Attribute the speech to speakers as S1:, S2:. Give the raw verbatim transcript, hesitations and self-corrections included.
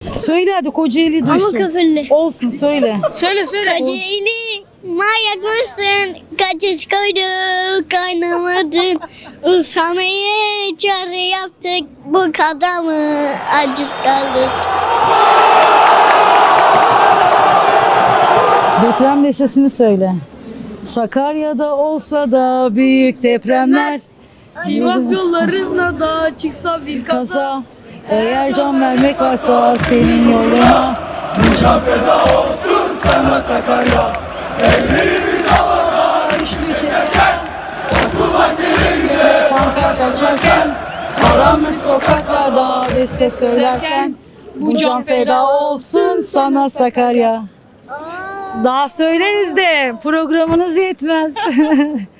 S1: Söyle hadi Kocaeli
S2: Ama
S1: duysun.
S2: küfürlü.
S1: Olsun söyle.
S3: Söyle söyle.
S2: Kocaeli manyak mısın? Kaçış koyduk kaynamadın. Usanmaya çare yaptık. Bu kadar mı aciz kaldık?
S1: Deprem listesini söyle. Sakarya'da olsa da büyük depremler.
S3: Sivas yollarına da çıksa bir kaza.
S1: Kaza. Eğer can vermek varsa senin yoluna.
S4: Can feda olsun sana Sakarya. Ellerimiz havada
S1: Üçlü çekerken, okul bahçelerinde pankart açarken, karanlık sokaklarda beste söylerken, bu can feda olsun sana Sakarya. Daha söyleriz de programınız yetmez.